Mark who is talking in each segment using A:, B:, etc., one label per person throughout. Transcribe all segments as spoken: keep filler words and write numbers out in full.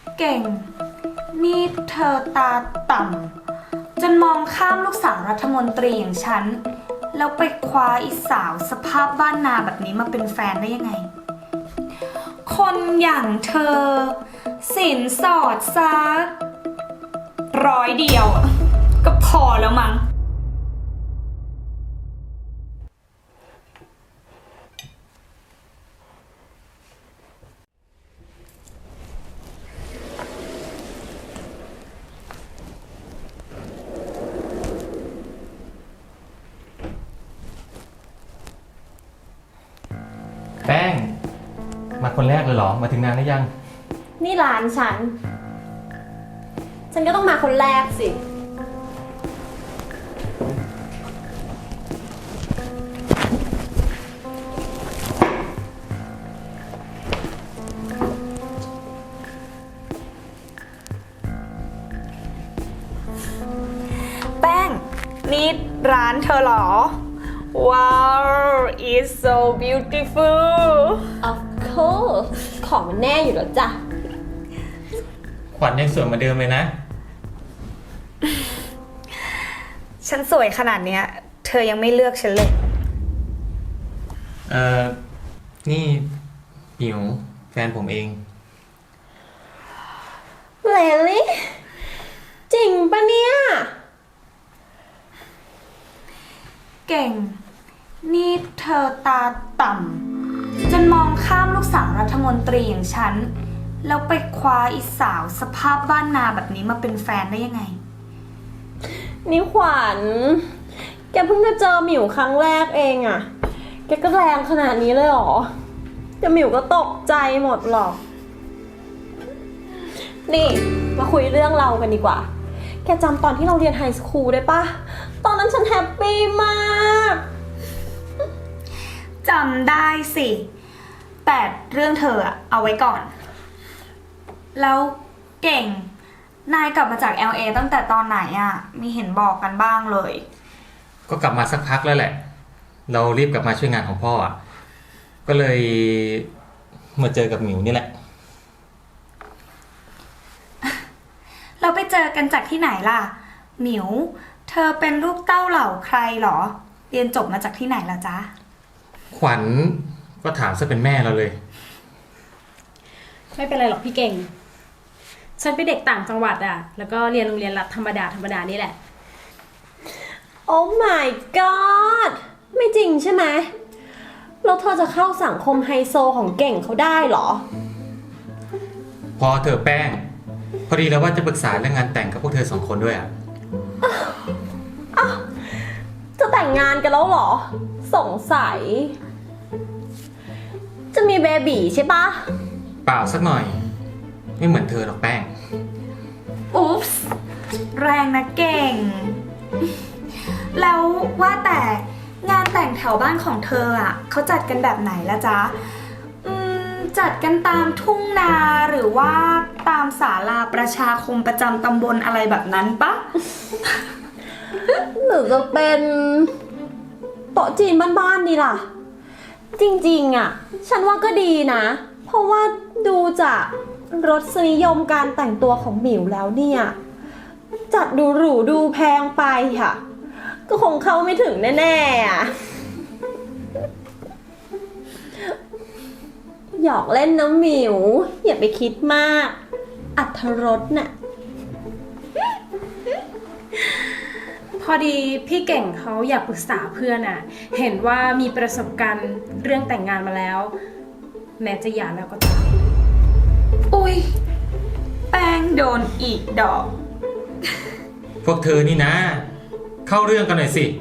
A: เก่งนี่เธอตาต่ำจนมองข้ามลูกสาวรัฐมนตรีอย่างฉันแล้วไปคว้าอีสาวสภาพบ้านนาแบบนี้มาเป็นแฟนได้ยังไงคนอย่างเธอสินสอดซักร้อยเดียวก็พอแล้วมั้ง
B: แป้งมาคนแรกเลยเหรอมาถึงนานหรือยัง
C: นี่ร้านฉัน ฉันก็ต้องมาคนแรกสิ
A: แป้งนี่ร้านเธอเหรอว้าว it's so beautiful
C: Of course ของมันแน่อยู่แล้วจ้ะ
B: ขวัญยังสวยเหมือนเดิมเลยนะ
A: ฉันสวยขนาดเนี้ยเธอยังไม่เลือกฉันเลย
B: เอ่อนี่หิวแฟนผมเอง
C: Really จริงปะเนี่ย
A: เก่งนี่เธอตาต่ำจนมองข้ามลูกสาวรัฐมนตรีอย่างฉันแล้วไปคว้าอีสาวสภาพบ้านนาแบบนี้มาเป็นแฟนได้ยังไง
C: นี่ขวัญ แกเพิ่งจะเจอหมิวครั้งแรกเองอะแกก็แรงขนาดนี้เลยเหรอแต่หมิวก็ตกใจหมดหรอก นี่มาคุยเรื่องเรากันดีกว่า แกจำตอนที่เราเรียนไฮสคูลได้ปะตอนนั้นฉันแฮปปี้มาก
A: จำได้สิแต่เรื่องเธออะเอาไว้ก่อนแล้วเก่งนายกลับมาจาก แอล เอ ตั้งแต่ตอนไหนอะมีเห็นบอกกันบ้างเลย
B: ก็กลับมาสักพักแล้วแหละเรารีบกลับมาช่วยงานของพ่ออ่ะก็เลยมาเจอกับหมิวนี่แหละ
A: เราไปเจอกันจากที่ไหนล่ะหมิวเธอเป็นลูกเต้าเหล่าใครหรอเรียนจบมาจากที่ไหนล่ะจ๊ะ
B: ขวัญก็ถามซะเป็นแม่เราเลย
D: ไม่เป็นไรหรอกพี่เก่งฉันเป็นเด็กต่างจังหวัดอ่ะแล้วก็เรียนโรงเรียนรัฐธรรมดาธรรมดานี่แหละ
C: Oh my god ไม่จริงใช่ไหมแล้วเธอจะเข้าสังคมไฮโซของเก่งเขาได้เหรอ
B: พอเธอแป้งพอดีแล้วว่าจะปรึกษาเรื่องงานแต่งกับพวกเธอสองคนด้วยอ่ะ
C: จะแต่งงานกันแล้วเหรอสงสัยจะมีเบบีใช่ปะ
B: เปล่าสักหน่อยไม่เหมือนเธอหรอกแป้ง
A: อุ๊ปส์แรงนะเก่งแล้วว่าแต่งานแต่งแถวบ้านของเธออ่ะเขาจัดกันแบบไหนละจ๊ะอืมจัดกันตามทุ่งนาหรือว่าตามศาลาประชาคมประจำตำบลอะไรแบบนั้นปะ
C: หรือจะเป็นโต๊ะจีนบ้านๆดีล่ะจริงๆอ่ะฉันว่าก็ดีนะเพราะว่าดูจากรสนิยมการแต่งตัวของหมิวแล้วเนี่ยจัดดูหรูดูแพงไปค่ะก็คงเข้าไม่ถึงแน่ๆอ่ะหยอกเล่นนะหมิวอย่าไปคิดมากอรรถรสน่ะ
D: พอดีพี่เก่งเขาอยากปรึกษาเพื่อนอ่ะเห็นว่ามีประสบการณ์เรื่องแต่งงานมาแล้วแม้จะหย่าแล้วก็ตาม
A: อุ๊ยแป้งโดนอีกดอก
B: พวกเธอนี่นะเข้าเรื่องกันหน่อยสิ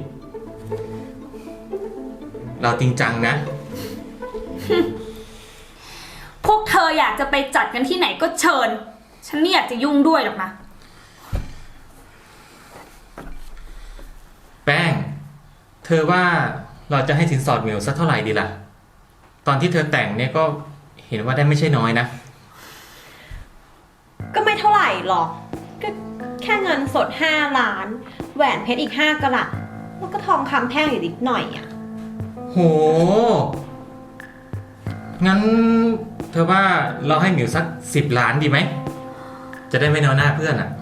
B: เราจริงจังนะ
A: พวกเธออยากจะไปจัดกันที่ไหนก็เชิญฉันไม่อยากจะยุ่งด้วยหรอกนะ
B: แป้งเธอว่าเราจะให้สินสอดหมิวสักเท่าไหร่ดีล่ะตอนที่เธอแต่งเนี่ยก็เห็นว่าได้ไม่ใช่น้อยนะ
C: ก็ไม่เท่าไหร่หรอกก็แค่เงินสดห้าล้านแหวนเพชรอีกห้ากะรัตแล้วก็ทองคำแท่งอีกนิดหน่อยอ่ะ
B: โหงั้นเธอว่าเราให้หมิวสักสิบล้านดีไหมจะได้ไม่น้อยหน้าเพื่อนอ่ะ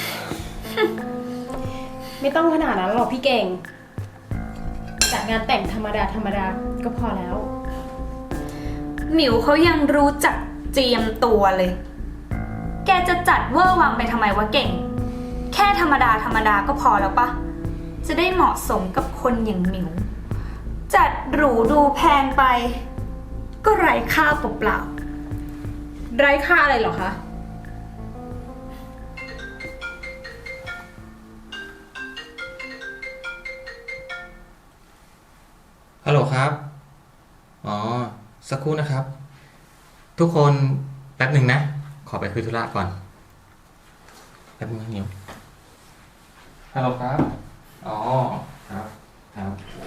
D: ไม่ต้องขนาดนั้นหรอกพี่เก่งจัดงานแต่งธรรมดาธรรมดาก็พอแล้ว
A: หมิวเขายังรู้จักเจียมตัวเลย แกจะจัดเวอร์วังไปทำไมวะเก่ง แค่ธรรมดาธรรมดาก็พอแล้วปะจะได้เหมาะสมกับคนอย่างหมิว จัดหรูดูแพงไป ก็ไร้ค่าเปล่า
D: ไร้ค่าอะไรเหรอคะ
B: ฮัลโหลครับ อ๋อ สักครู่นะครับ ทุกคนแป๊บหนึ่งนะ ขอไปคุยธุระก่อน แป๊บนึงนะนิวฮัลโหลครับ อ๋อ ครับ ครับ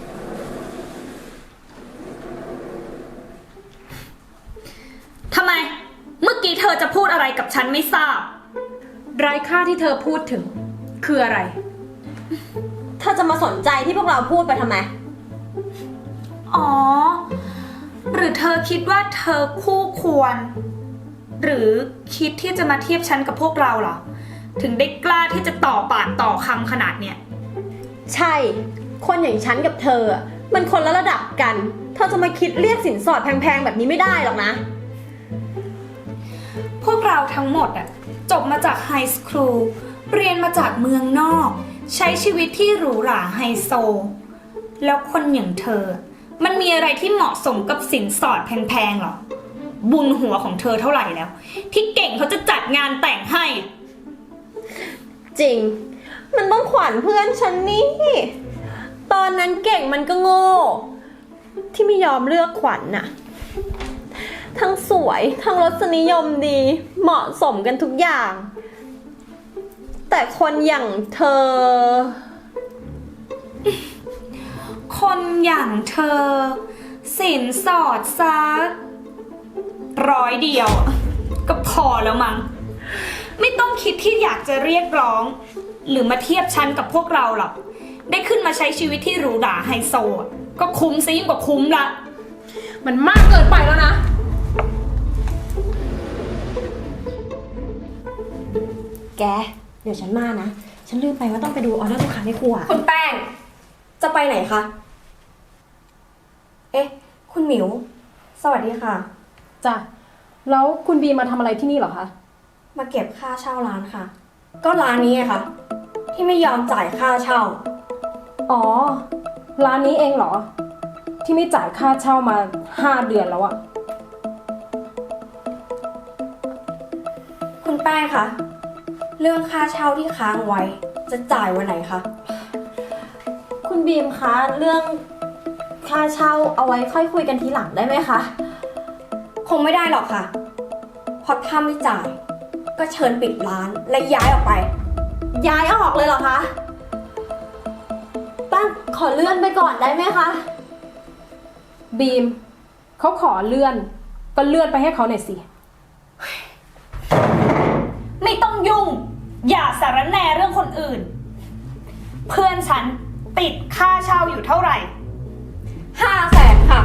A: ๆทำไม เมื่อกี้เธอจะพูดอะไรกับฉันไม่ทราบ
D: ไร้ค่าที่เธอพูดถึง คืออะไร
C: เธอจะมาสนใจที่พวกเราพูดไปทำไม
A: อ๋อ หรือเธอคิดว่าเธอคู่ควร หรือคิดที่จะมาเทียบฉันกับพวกเราเหรอ ถึงได้กล้าที่จะต่อปากต่อคำขนาดเนี้ย
C: ใช่ คนอย่างฉันกับเธออะมันคนละระดับกัน เธอจะมาคิดเรียกสินสอดแพงๆแบบนี้ไม่ได้หรอกนะ
A: พวกเราทั้งหมดอะจบมาจากไฮสคูล เรียนมาจากเมืองนอก ใช้ชีวิตที่หรูหราไฮโซ แล้วคนอย่างเธอ มันมีอะไรที่เหมาะสมกับสินสอดแพงๆหรอ บุญหัวของเธอเท่าไหร่แล้ว ที่เก่งเขาจะจัดงานแต่งให้
C: จริง มันต้องขวัญเพื่อนฉันนี่ ตอนนั้นเก่งมันก็โง่ ที่ไม่ยอมเลือกขวัญน่ะ ทั้งสวยทั้งรสนิยมดี เหมาะสมกันทุกอย่าง แต่คนอย่างเธอ
A: คนอย่างเธอ สินสอดซักร้อยเดียวอะก็พอแล้วมั้ง ไม่ต้องคิดที่อยากจะเรียกร้อง หรือมาเทียบฉันกับพวกเราหรอก ได้ขึ้นมาใช้ชีวิตที่หรูหราไฮโซอะก็คุ้มซะยิ่งกว่าคุ้มละ
D: มันมากเกินไปแล้วนะ
C: แก เดี๋ยวฉันมานะ ฉันลืมไปว่าต้องไปดูออเดอร์ลูกค้าในครัว
E: คุณแป้ง จะไปไหนคะ เอ๊ะ คุณหมิว สวัสดีค่ะ
D: จ้ะ แล้วคุณบีมาทำอะไรที่นี่เหรอคะ
E: มาเก็บค่าเช่าร้านค่ะ ก็ร้านนี้ไงคะที่ไม่ยอมจ่ายค่าเช่า
D: อ๋อ ร้านนี้เองเหรอ ที่ไม่จ่ายค่าเช่ามาห้าเดือนแล้วอะ
E: คุณแป้งคะ เรื่องค่าเช่าที่ค้างไว้ จะจ่ายวันไหนคะ
C: คุณบีมคะ เรื่องค่าเช่าเอาไว้ค่อยคุยกันทีหลังได้ไหมคะ
E: คงไม่ได้หรอกค่ะ เพราะถ้าไม่จ่าย ก็เชิญปิดร้านและย้ายออกไป
C: ย้ายออกเลยเหรอคะป้าขอเลื่อนไปก่อนได้ไหมคะ
D: บีมเขาขอเลื่อน ก็เลื่อนไปให้เขาหน่อยสิ
A: ไม่ต้องยุ่ง อย่าสารแหน่เรื่องคนอื่น เพื่อนฉันติดค่าเช่าอยู่เท่าไหร่
E: ห้าแสนค่ะ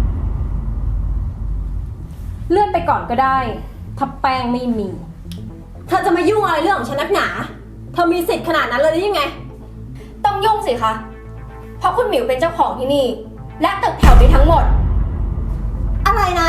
D: เลื่อนไปก่อนก็ได้ ถ้าแป้งไม่มี
C: เธอจะมายุ่งอะไรเรื่องของฉันนักหนา เธอมีสิทธิ์ขนาดนั้นเลยหรือยังไง
E: ต้องยุ่งสิคะ เพราะคุณหมิวเป็นเจ้าของที่นี่ และตึกแถวนี้ทั้งหมด
C: อะไรนะ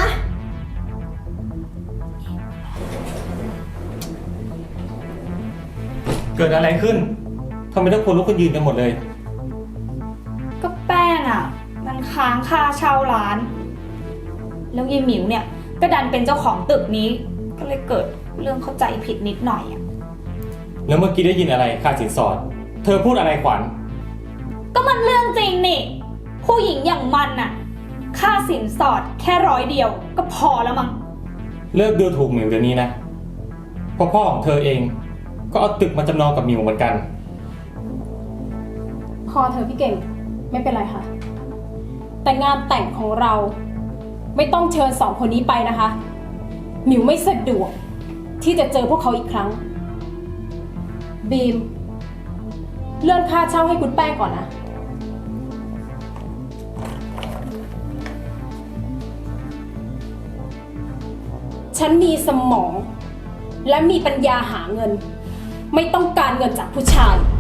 B: เกิดอะไรขึ้นทำไมทุกคนลุกขึ้นยืนกันหมดเลย
A: ก็แป้งอ่ะ มันค้างค่าเช่าร้าน แล้วยายหมิวเนี่ย ก็ดันเป็นเจ้าของตึกนี้ ก็เลยเกิดเรื่องเข้าใจผิดนิดหน่อยอ่ะ
B: แล้วเมื่อกี้ได้ยินอะไรค่าสินสอด เธอพูดอะไรขวัญ
A: ก็มันเรื่องจริงนี่ ผู้หญิงอย่างมันน่ะ ค่าสินสอดแค่ร้อยเดียว ก็พอแล้วมั้ง
B: เลิกดูถูกหมิวเดี๋ยวนี้นะเพราะพ่อของเธอเอง ก็เอาตึกมาจำนองกับหมิวเหมือนกัน
D: พอเธอพี่เก่ง ไม่เป็นไรค่ะ แต่งานแต่งของเรา ไม่ต้องเชิญสองคนนี้ไปนะคะ หมิวไม่สะดวกที่จะเจอพวกเขาอีกครั้ง บีม เลื่อนค่าเช่าให้คุณแป้งก่อนนะ ฉันมีสมองและมีปัญญาหาเงิน ไม่ต้องการเงินจากผู้ชาย